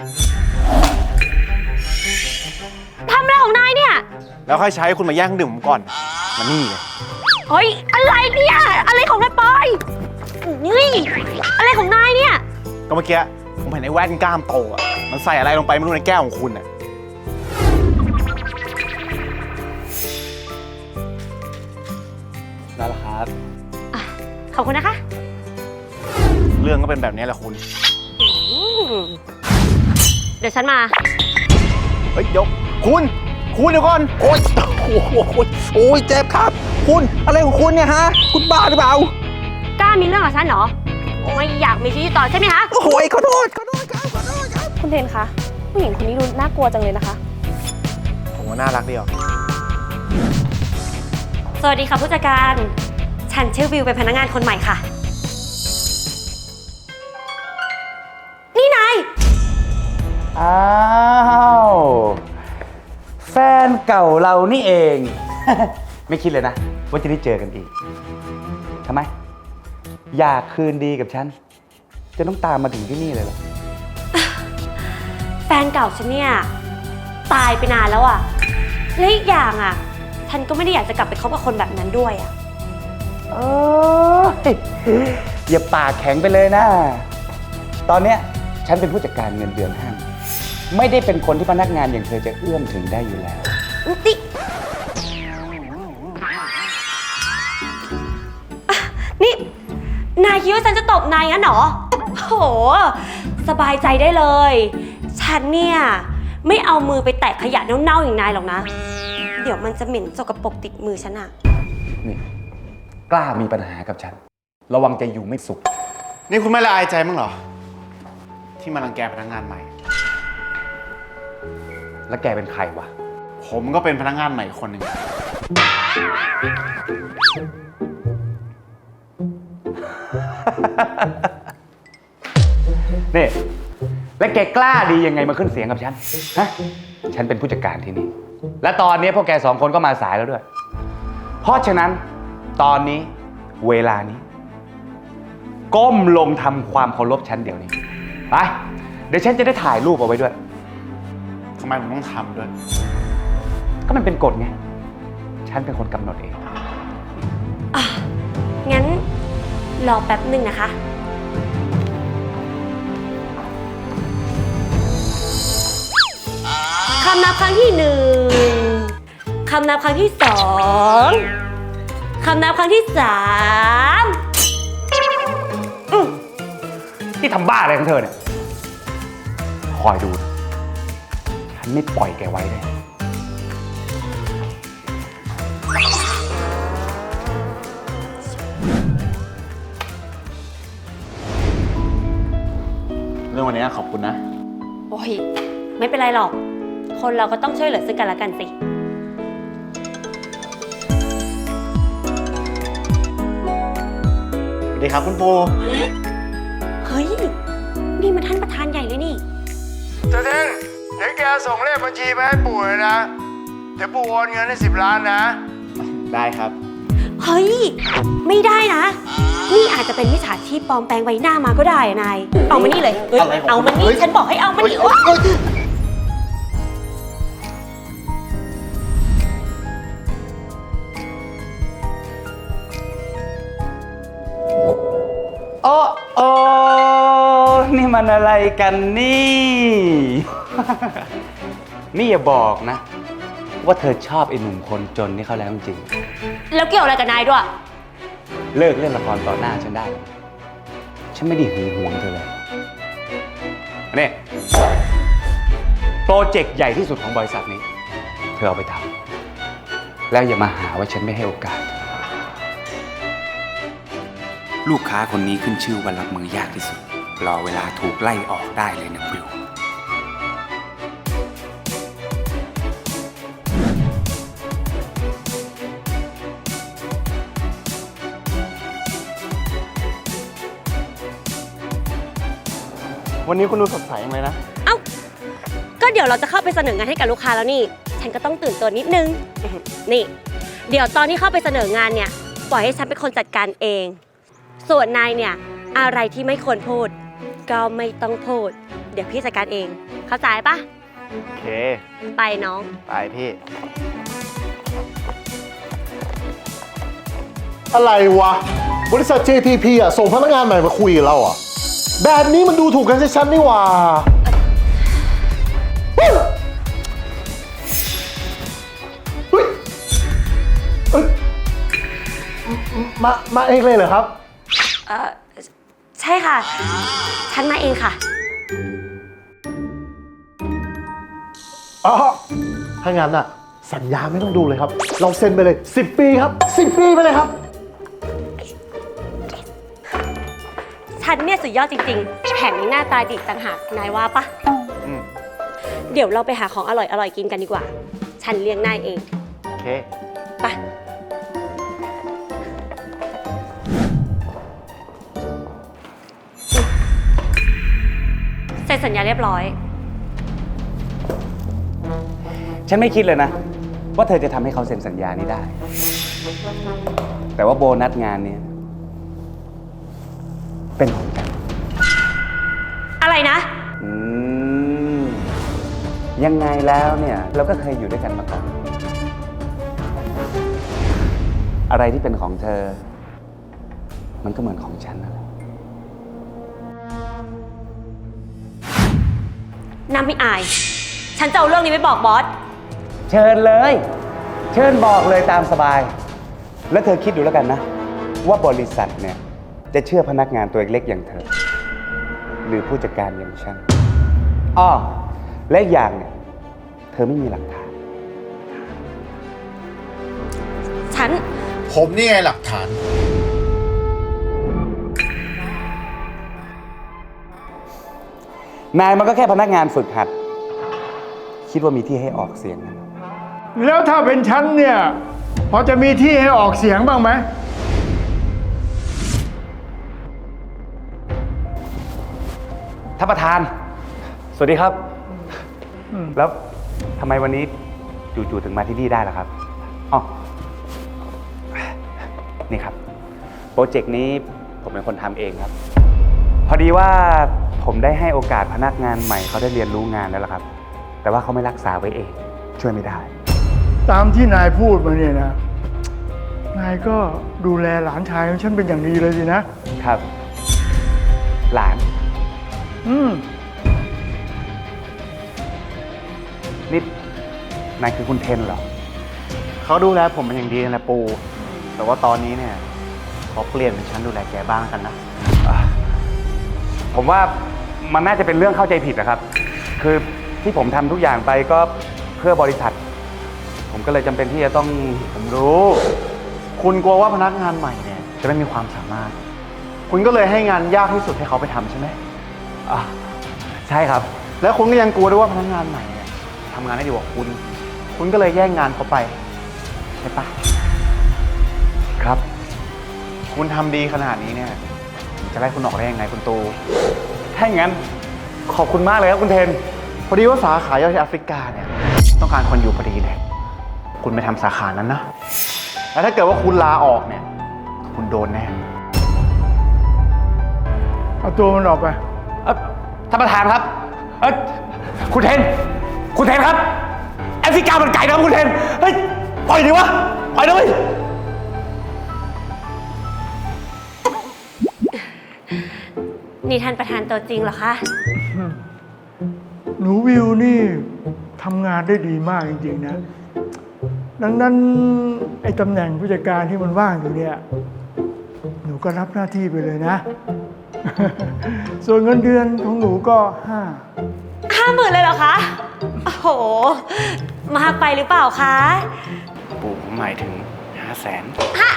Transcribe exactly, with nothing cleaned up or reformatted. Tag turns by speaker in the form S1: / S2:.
S1: ทำอะไรของนายเนี่ย
S2: แล้วค่อยใช้คุณมาแย่งดื่มผมก่อนมานี่เลย
S1: เฮ้ยอะไรเนี่ยอะไรของนายปอยนี่อะไรของนายเนี่ย
S2: ก็เมื่อกี้ผมเห็นไอ้แว่นกล้ามโตอ่ะมันใส่อะไรลงไปไม่รู้ในแก้วของคุณอ่ะได้แล้วครับ
S1: ขอบคุณนะคะ
S2: เรื่องก็เป็นแบบนี้แหละคุณ
S1: เดี๋ยวฉันมา
S2: เฮ้ยเดี๋ยวคุณคุณเดี๋ยวก่อนโอ๊ยโอ้โหโอ้ยเจ็บครับคุณอะไรของคุณเนี่ยฮะคุณบ้าหรือเปล่าก
S1: ล้ามีเรื่องกับฉันเหรอไม่อยากมีชีวิตต่อใช่ไหมคะ
S2: โอ้ยขอโทษขอโทษครับขอโทษครับ
S3: คุณเทนคะผู้หญิงคนนี้ดูน่ากลัวจังเลยนะคะ
S2: ผมว่าน่ารักดีอ่ะ
S1: สวัสดีค่ะผู้จัดการฉันชื่อวิวเป็นพนักงานคนใหม่ค่ะนี่นาย
S4: อ้าวแฟนเก่าเรานี่เอง ไม่คิดเลยนะว่าจะได้เจอกันอีกทำไมอยากคืนดีกับฉันจะต้องตามมาถึงที่นี่เลยเหรอ
S1: แฟนเก่าฉันเนี่ยตายไปนานแล้วอ่ะและอีกอย่างอ่ะฉันก็ไม่ได้อยากจะกลับไปคบกับคนแบบนั้นด้วยอ่ะ
S4: เอออย่าปากแข็งไปเลยนะตอนเนี้ยฉันเป็นผู้จัดการเงินเดือนห้างไม่ได้เป็นคนที่พนักงานอย่างเธอจะเอื้อมถึงได้อยู่แล้ว
S1: นี่นี่นายคิดว่าฉันจะตบนายงั้นเหรอโหสบายใจได้เลยฉันเนี่ยไม่เอามือไปแตะขยะเน่าๆอย่างนายหรอกนะเดี๋ยวมันจะเหม็นสกปรกติดมือฉันอะ
S4: นี่กล้ามีปัญหากับฉันระวังจะอยู่ไม่สุข
S2: นี่คุณไม่ละอายใจมั้งเหรอที่มารังแกพนักงานใหม่
S4: แล้วแกเป็นใครวะ
S2: ผมก็เป็นพนักงานใหม่คนหนึ่ง
S4: นี่และแกกล้าดียังไงมาขึ้นเสียงกับฉันฮะฉันเป็นผู้จัดการที่นี่และตอนนี้พวกแกสองคนก็มาสายแล้วด้วยเพราะฉะนั้นตอนนี้เวลานี้ก้มลงทำความเคารพฉันเดี๋ยวนี้ไปเดี๋ยวฉันจะได้ถ่ายรูปเอาไว้ด้วย
S2: ทำไมผมต้องทำด้วย
S4: ก็มันเป็นกฎไงฉันเป็นคนกำหนดเอง
S1: อ่ะงั้นรอแป๊บหนึ่งนะคะคำนับครั้งที่หนึ่งคำนับครั้งที่สองคำนับครั้งที่สาม
S4: ที่ทำบ้าอะไรของเธอเนี่ยคอยดูฉันไม่ปล่อยแกไว้เลย
S2: เรื่องวันนี้ขอบคุณนะ
S1: โอ้ยไม่เป็นไรหรอกคนเราก็ต้องช่วยเหลือซึ่งกันและกันสิ
S2: สวัสดีครับคุณปู
S1: เฮ้ยนี่มันท่านประธานใหญ่เลยนี่
S5: เจ้าเท่งเดี๋ยวแกส่งเลขบัญชีไปให้ปู่เลยนะเดี๋ยวปู่โอนเงินให้สิบล้านนะ
S2: ได้ครับ
S1: เฮ้ยไม่ได้นะนี่อาจจะเป็นมิจฉาชีพปลอมแปลงใบหน้ามาก็ได้นายเอามานี่เลยเฮ้ยเอามานี่ฉันบอกให้เอามานี่
S4: โอ้โอ้นี่มันอะไรกันนี่ นี่อย่าบอกนะว่าเธอชอบไอ้หนุ่มคนจนนี่เขาแล้วจริง
S1: แล้วเกี่ยวอะไรกับนายด้วย
S4: เลิกเล่นละครต่อหน้าฉันได้ฉันไม่ได้หึงหวงเธอเลยนี่โปรเจกต์ใหญ่ที่สุดของบริษัทนี้เธอเอาไปทำแล้วอย่ามาหาว่าฉันไม่ให้โอกาส
S6: ลูกค้าคนนี้ขึ้นชื่อว่ารับมือยากที่สุดรอเวลาถูกไล่ออกได้เลยนะวิว
S2: วันนี้คุณดูสดใสเลยนะ
S1: เอ้าก็เดี๋ยวเราจะเข้าไปเสนองานให้กับลูกค้าแล้วนี่ฉันก็ต้องตื่นตัวนิดนึงนี่เดี๋ยวตอนที่เข้าไปเสนองานเนี่ยปล่อยให้ฉันเป็นคนจัดการเองส่วนนายเนี่ยอะไรที่ไม่ควรพูดก็ไม่ต้องพูดเดี๋ยวพี่จัดการเอง เข้าใจปะ
S2: โอเค
S1: ไปน้อง
S2: ไปพี่
S7: อะไรวะ บริษัท เจ ที พี อ่ะ ส่งพนักงานใหม่มาคุยกับเราอ่ะ แบบนี้มันดูถูกกันชัดๆนี่หว่าเฮ้ยเฮ้ยเอ้ยมา มาเองเลยเหรอครับ
S1: เออใช่ค่ะ ฉันมาเองค่ะ
S7: อ๋อ ถ้างั้นอ่ะ สัญญาไม่ต้องดูเลยครับ เราเซ็นไปเลยสิบปีครับสิบปีไปเลยครับ
S1: ฉันเนี่ยสุดยอดจริงๆ แถมยังหน้าตาดีต่างหาก นายว่าปะเดี๋ยวเราไปหาของอร่อยๆ กินกันดีกว่า ฉันเลี้ยงนายเอง
S2: โอเค
S1: ไป เซ็นสัญญาเรียบร้อย
S4: ฉันไม่คิดเลยนะ ว่าเธอจะทำให้เขาเซ็นสัญญานี้ได้ แต่ว่าโบนัสงานเนี้ยเป็นของฉัน
S1: อะไรนะ
S4: อืมยังไงแล้วเนี่ย เราก็เคยอยู่ด้วยกันมาก่อน อะไรที่เป็นของเธอ มันก็เหมือนของฉันนั่นแหละ
S1: น้ำไม่อาย ฉันจะเอาเรื่องนี้ไปบอกบอส
S4: เชิญเลย เชิญบอกเลยตามสบาย แล้วเธอคิดดูแล้วกันนะ ว่าบริษัทเนี่ย จะเชื่อพนักงานตัวเล็กๆอย่างเธอ หรือผู้จัดการอย่างฉันอ้อและอีกอย่างเนี่ย เธอไม่มีหลักฐาน
S1: ฉัน
S7: ผมนี่ไงหลักฐาน
S4: นายมันก็แค่พนักงานฝึกหัด คิดว่ามีที่ให้ออกเสียงนะ
S5: แล้วถ้าเป็นฉันเนี่ย พอจะมีที่ให้ออกเสียงบ้างไหม
S4: ท่านประธาน สวัสดีครับ แล้วทำไมวันนี้จู่ๆถึงมาที่นี่ได้ล่ะครับอ๋อนี่ครับ โปรเจกต์นี้ผมเป็นคนทำเองครับ พอดีว่าผมได้ให้โอกาสพนักงานใหม่เขาได้เรียนรู้งานแล้วล่ะครับ แต่ว่าเขาไม่รักษาไว้เอง ช่วยไม่ได้
S5: ตามที่นายพูดมาเนี่ยนะ นายก็ดูแลหลานชายของฉันเป็นอย่างดีเลยสินะ
S4: ครับ หลาน
S5: อืม
S4: นี่นายคือคุณเทนเหรอ
S2: เขาดูแลผมเป็นอย่างดีนะปู แต่ว่าตอนนี้เนี่ยขอเปลี่ยนเป็นฉันดูแลแกบ้างกันนะ
S4: ผมว่ามันน่าจะเป็นเรื่องเข้าใจผิดนะครับ คือที่ผมทำทุกอย่างไปก็เพื่อบริษัท ผมก็เลยจำเป็นที่จะต้อง
S2: ผมรู้ คุณกลัวว่าพนักงานใหม่เนี่ยจะไม่มีความสามารถ คุณก็เลยให้งานยากที่สุดให้เขาไปทำใช่ไหม
S4: อ่ะใช่ครับ
S2: แล้วคุณก็ยังกลัวด้วยว่าพนักงานใหม่เนี่ยทำงานได้ดีกว่าคุณ คุณก็เลยแย่งงานเขาไปใช่ปะ
S4: ครับ
S2: คุณทำดีขนาดนี้เนี่ยผมจะไล่คุณออกได้ยังไงคุณตู
S4: ถ้าอย่างนั้นขอบคุณมากเลยครับคุณเทน
S2: พอดีว่าสาขาย่อยที่แอฟริกาเนี่ยต้องการคนอยู่พอดีเลย คุณไปทำสาขานั้นนะ แล้วถ้าเกิดว่าคุณลาออกเนี่ย คุณโดนแน่
S5: เอาตัวมันออกไป
S4: เอ่อท่านประธานครับเอ้ยคุณเทน คุณเทนครับ แอฟริกามันไก่นะครับคุณเทน เฮ้ย ปล่อยดิวะ ปล่อยนะเว้ย
S1: นี่ท่านประธานตัวจริงเหรอคะ
S5: หนูวิวนี่ทำงานได้ดีมากจริงๆนะ ดังนั้นไอ้ตำแหน่งผู้จัดการที่มันว่างอยู่เนี่ย หนูก็รับหน้าที่ไปเลยนะ ส่วนเงินเดือนของหนูก็ห้า
S1: ห้าหมื่นเลยเหรอคะ โอ้โห มากไปหรือเปล่าคะ
S2: ปู่ผมหมายถึงห้าแสน
S1: ฮะ